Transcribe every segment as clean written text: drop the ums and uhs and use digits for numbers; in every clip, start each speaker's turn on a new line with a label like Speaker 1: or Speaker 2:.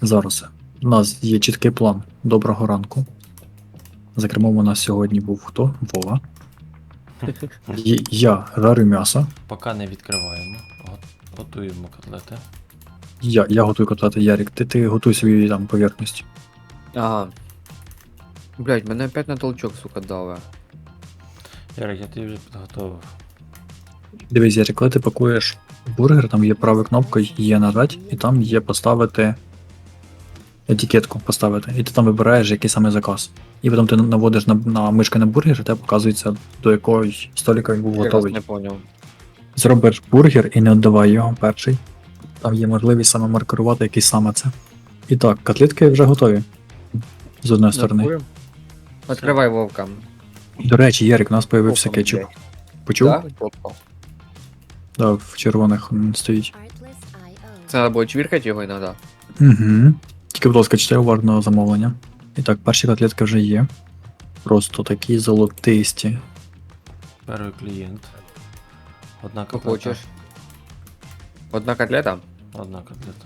Speaker 1: Зараз. У нас є чіткий план. Доброго ранку. За кермом у нас сьогодні був хто? Вова. Я жарю м'ясо.
Speaker 2: Поки не відкриваємо. Готуємо котлети.
Speaker 1: Я готую котлети. Ярік, ти готуй свою там поверхність.
Speaker 3: Ага. Блять, мене опять на толчок, сука, дали.
Speaker 2: Ярик, я тобі вже підготовив.
Speaker 1: Дивись, Ярік, коли ти пакуєш бургер, там є права кнопка, є нажать, і там є поставити етикетку поставити. І ти там вибираєш, який саме заказ. І потім ти наводиш на мишку на бургер, і тебе показується, до якого столика він був
Speaker 3: Я раз
Speaker 1: готовий.
Speaker 3: не понял.
Speaker 1: Зробиш бургер і не віддавай його перший. Там є можливість саме маркерувати, який саме це. І так, котлетки вже готові. З одної сторони.
Speaker 3: Дякую. Откривай вовка.
Speaker 1: До речі, Ярик, у нас появився
Speaker 3: Попком,
Speaker 1: кетчуп.
Speaker 3: блядь.
Speaker 1: Почув?
Speaker 3: Да? Попком.
Speaker 1: Да, в червоних стоїть.
Speaker 3: Це треба було чвіркати його іноді.
Speaker 1: Угу. Тільки, будь ласка, читай уважно замовлення. І так, перші котлетки вже є. Просто такі золотисті.
Speaker 2: Перший клієнт. Одна
Speaker 3: Що
Speaker 2: котлета.
Speaker 3: хочеш. Одна котлета?
Speaker 2: Одна котлета.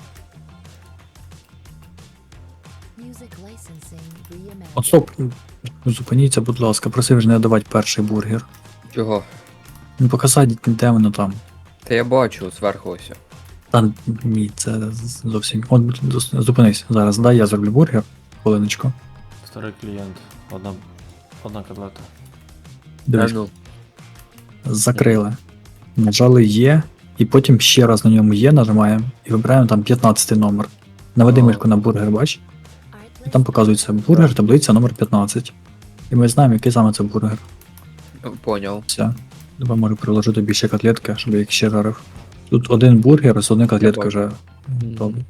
Speaker 1: От стоп, зупиніться, будь ласка, просив ж не давати перший бургер.
Speaker 3: Чого?
Speaker 1: Ну показати, де воно там.
Speaker 3: Та я бачу зверху ось.
Speaker 1: Та ні, це зовсім. От зупинись зараз, дай я зроблю бургер. Хвилиночку.
Speaker 2: Старий клієнт. Одна котлета.
Speaker 1: Дивись,
Speaker 3: ну.
Speaker 1: закрили. Нажали є, і потім ще раз на ньому є, нажимаємо і вибираємо там 15 номер. Наведи
Speaker 3: О.
Speaker 1: мишку на бургер, бач? І там показується бургер, таблиця номер 15. І ми знаємо, який саме це бургер.
Speaker 3: Понял.
Speaker 1: Все. Давай можу приложити більше котлетки, щоб я їх ще жарив. Тут один бургер з одної котлетки вже готовий.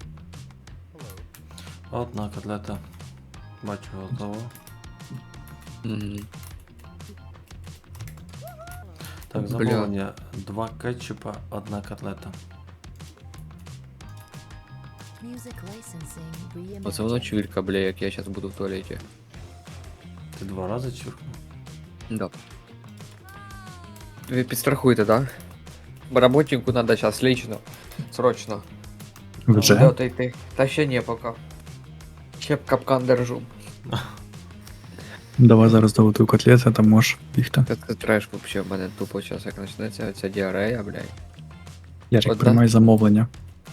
Speaker 2: Одна котлета. Бачу, готово.
Speaker 3: Мгм.
Speaker 2: Так,
Speaker 3: Бля.
Speaker 2: замовлення. 2 кетчупа, одна котлета.
Speaker 3: Оце воно чвірка, бля, як я зараз буду в туалеті.
Speaker 2: Ти 2 рази чуркнув?
Speaker 3: Да. Ви підстрахуєте, да? Бо работнику надо зараз лично. Срочно.
Speaker 1: Вже?
Speaker 3: Куди отойти? Та ще не пока. Ще б капкан держу.
Speaker 1: Давай зараз доготую котлети, там можеш бігти.
Speaker 3: Та це треш вообще, в мене тупо час як почнеться ця діарея, блядь.
Speaker 1: Ярик,
Speaker 3: Одна?
Speaker 1: приймай замовлення.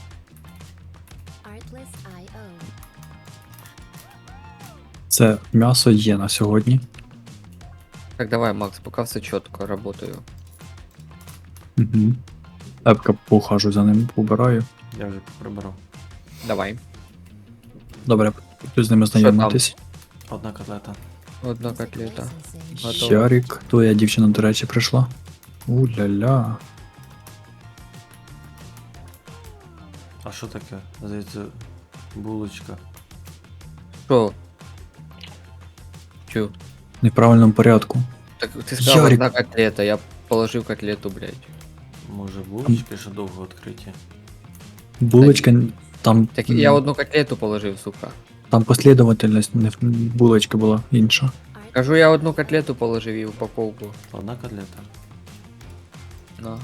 Speaker 1: Це м'ясо є на сьогодні.
Speaker 3: Так, давай, Макс, поки все чітко, работаю.
Speaker 1: Угу. Епка поухажу за ним, побираю.
Speaker 2: Я вже прибрав.
Speaker 3: Давай.
Speaker 1: Добре, буду з ними знайомитись.
Speaker 2: Одна котлета.
Speaker 3: Одна котлета. Готово.
Speaker 1: Ярик, твоя дівчина, до речі, прийшла. У-ля-ля.
Speaker 2: А що таке? Здається, булочка.
Speaker 3: Що? Чу?
Speaker 1: Не в правильному порядку.
Speaker 3: Так ти сказав
Speaker 1: Ярик.
Speaker 3: одна котлета, я положив котлету, блядь.
Speaker 2: Може булочки ще довго відкриті.
Speaker 1: Булочка, там,
Speaker 3: Так я одну котлету положив, сука.
Speaker 1: там послідовательність, не булочка була інша.
Speaker 3: Кажу, я одну котлету положив і упаковку.
Speaker 2: Одна котлета.
Speaker 3: На.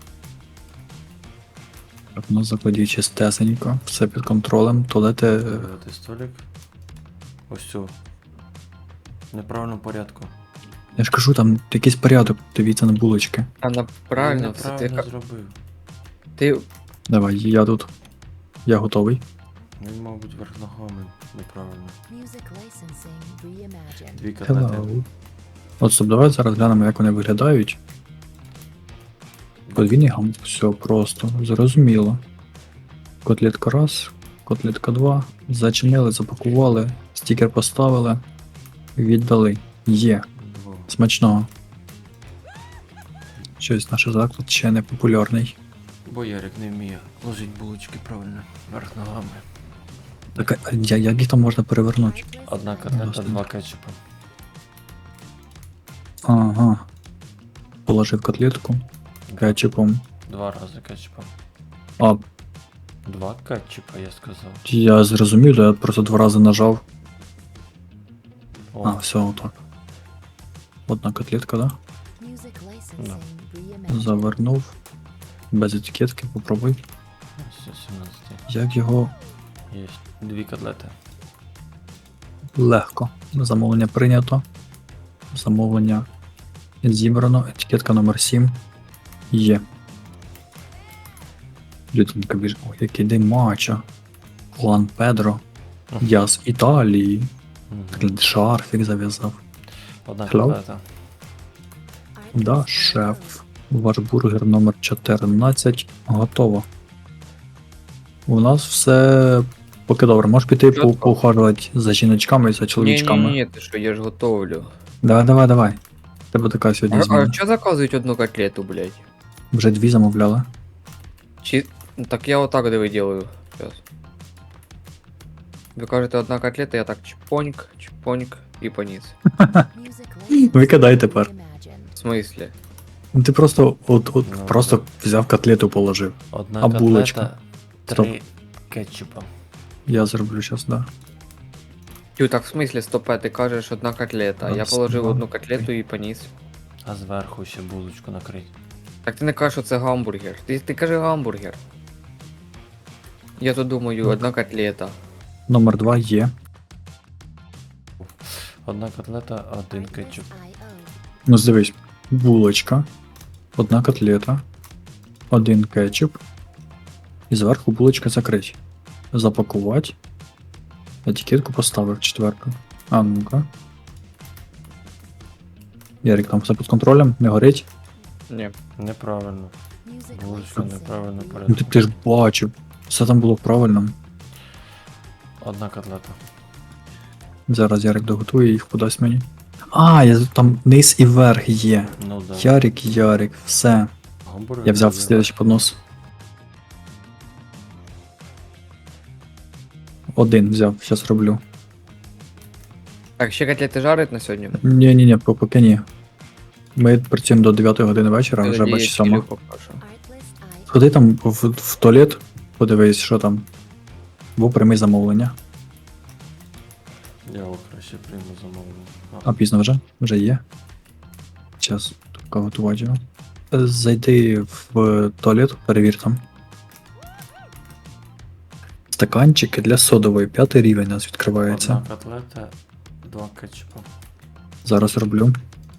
Speaker 1: Так, у нас закладі чистесенько, все під контролем, туалети.
Speaker 2: Вибрати столик. Ось цю. В неправильному порядку.
Speaker 1: Я ж кажу, там якийсь порядок, дивіться на булочки.
Speaker 3: Вона правильно, все
Speaker 2: Неправильно
Speaker 3: ти,
Speaker 2: зробив.
Speaker 3: ти
Speaker 1: Давай, я тут. Я готовий.
Speaker 2: Він, мабуть, верх ногами неправильно. 2 котлети.
Speaker 1: Hello. От стоп, давай зараз глянемо, як вони виглядають. Подвійний гам, все просто, зрозуміло. Котлетка раз, котлетка два. Зачинили, запакували, стікер поставили, віддали. Є.
Speaker 2: Двох.
Speaker 1: Смачного. Щось наш заклад ще не популярний.
Speaker 2: Бо Ярик не вміє ложити булочки правильно. Верх ногами.
Speaker 1: Так, а як їх там можна перевернути?
Speaker 2: Одна котлета,
Speaker 1: Власне.
Speaker 2: 2 кетчупа.
Speaker 1: Ага. Положив котлетку кетчупом.
Speaker 2: 2 рази кетчупа.
Speaker 1: А,
Speaker 2: 2 кетчупа, я сказав.
Speaker 1: я зрозумів, я просто 2 рази нажав.
Speaker 2: О,
Speaker 1: А, все, отак. Одна котлетка, да? Завернув. Без етикетки, попробуй.
Speaker 2: ось 17.
Speaker 1: Як його
Speaker 2: Є 2 котлети.
Speaker 1: Легко. Замовлення прийнято. Замовлення зібрано. Етикетка номер 7 є. Людинка біж. Ой, який день матча. Хуан Педро. Я з Італії.
Speaker 2: Мгм.
Speaker 1: Шарфік зав'язав.
Speaker 2: Одна
Speaker 1: Hello?
Speaker 2: котлета.
Speaker 1: Да, шеф. Ваш бургер номер 14 готово. У нас все поки добре. Можеш піти
Speaker 3: Чітко.
Speaker 1: поухажувати за жіночками і за чоловічками.
Speaker 3: Ні, ти що, я ж готовлю.
Speaker 1: Давай. Тебе така сьогодні
Speaker 3: А
Speaker 1: зміна.
Speaker 3: що заказують одну котлету, блядь?
Speaker 1: Вже 2 замовляли.
Speaker 3: Чи... Ну, так я отак диви делаю. Сейчас. Ви кажете одна котлета, я так чпоньк і поніс.
Speaker 1: Викидай тепер.
Speaker 3: В смислі?
Speaker 1: Ну ти просто
Speaker 2: Ну,
Speaker 1: просто взяв котлету положив.
Speaker 2: Одна
Speaker 1: А
Speaker 2: котлета,
Speaker 1: булочка?
Speaker 2: 3 кетчупа.
Speaker 1: Я зроблю зараз, да.
Speaker 3: Тю, так в смислі, стопе, ти кажеш одна котлета. Я
Speaker 1: Раз,
Speaker 3: положив
Speaker 1: два,
Speaker 3: одну котлету і поніс.
Speaker 2: А зверху ще булочку накрить.
Speaker 3: Так ти не кажеш, що це гамбургер. Ти кажи гамбургер. Я то думаю, одна котлета.
Speaker 1: Номер 2 є.
Speaker 2: Одна котлета, 1 кетчуп.
Speaker 1: Ну дивись, булочка, одна котлета, 1 кетчуп. І зверху булочка закрить. Запакувати. Етикетку поставив 4. А ну-ка. Ярик, там все під контролем, не горить.
Speaker 3: Ні.
Speaker 2: Неправильно. Булочка неправильно
Speaker 1: Ну
Speaker 2: порядку.
Speaker 1: ти ж бачив. Все там було правильно.
Speaker 2: Одна котлета.
Speaker 1: Зараз Ярик доготує їх, подасть мені. Там низ і верх є.
Speaker 2: Ну да.
Speaker 1: Ярик, все.
Speaker 2: Гамбургер.
Speaker 1: Я взяв
Speaker 2: дуже
Speaker 1: слідчий поднос. 1 взяв, зараз роблю.
Speaker 3: Так, ще котлети жарять на сьогодні?
Speaker 1: Ні, поки ні. Ми працюємо до 9 години вечора, вже бач 7. Сходи там в туалет, подивись, що там. Бо прийми замовлення.
Speaker 2: Я його краще прийму замовлення.
Speaker 1: А пізно вже? Вже є. Час тільки готувати його. Зайди в туалет, перевір там. Стаканчики для содової, 5 рівень у нас відкривається.
Speaker 2: Одна котлета, 2 кетчупа.
Speaker 1: Зараз роблю.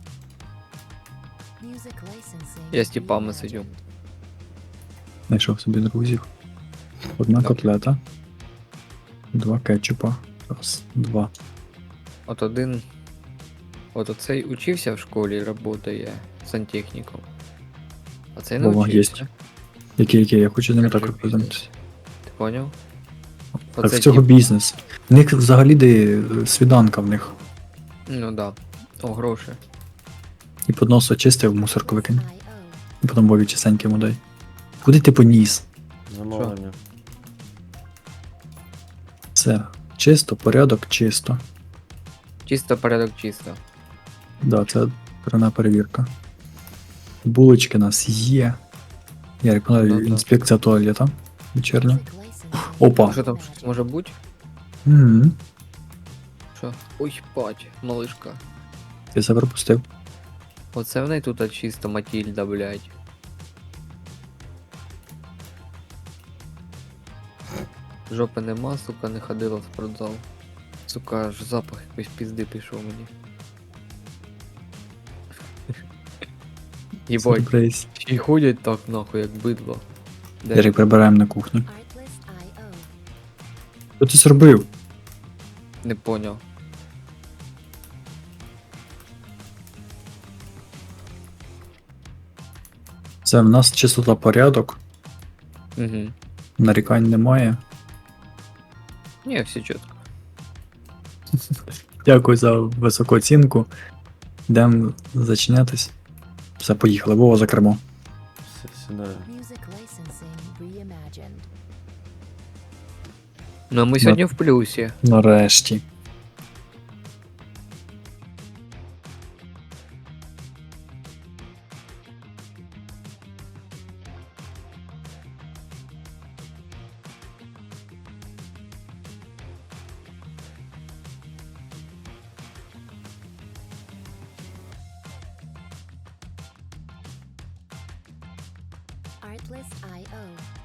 Speaker 3: Я з тіпами сидю.
Speaker 1: Знайшов собі друзів. Одна
Speaker 3: Так.
Speaker 1: котлета. 2 кетчупа. Раз, 2.
Speaker 3: От один. От оцей учився в школі і працює сантехніком. А цей не
Speaker 1: Вова,
Speaker 3: учився.
Speaker 1: Який, я хочу з ними
Speaker 3: Скажи,
Speaker 1: так розпознатися.
Speaker 3: Ти поняв?
Speaker 1: Так в цього бізнес. В них взагалі де свіданка в них.
Speaker 3: Ну да. О, гроші.
Speaker 1: І поднос очистив, в мусорку викинь. І потім Вові чистенько йому дай. Куди ти поніс?
Speaker 2: Замовлення.
Speaker 1: Все. Чисто, порядок, чисто.
Speaker 3: Чисто порядок чисто.
Speaker 1: Да, це пряма перевірка. Булочки у нас є. Я рекомендую
Speaker 3: Да-да.
Speaker 1: інспекція туалета вечірня.
Speaker 3: А
Speaker 1: Опа.
Speaker 3: що там щось може бути?
Speaker 1: Угу.
Speaker 3: Що? Ой, бать, малишка.
Speaker 1: Ти це пропустив.
Speaker 3: Оце в неї тут чисто Матільда, блядь. Жопи нема, сука, не ходила в спортзал. Сука, аж запах якоїсь пізди пішов мені. Єбать,
Speaker 1: Сюрприз.
Speaker 3: і ходять так нахуй, як бидло. Де?
Speaker 1: Ярик, прибираємо на кухню. Що ти зробив?
Speaker 3: Не поняв.
Speaker 1: Це в нас чистота порядок.
Speaker 3: Угу.
Speaker 1: Нарікань немає.
Speaker 3: Ні, все чітко.
Speaker 1: Дякую за високу оцінку. Йдемо зачинятись. Все, поїхали. Вова за кермо.
Speaker 2: Сідаю.
Speaker 3: Ну а ми сьогодні в плюсі.
Speaker 1: Нарешті.
Speaker 4: Artlist.io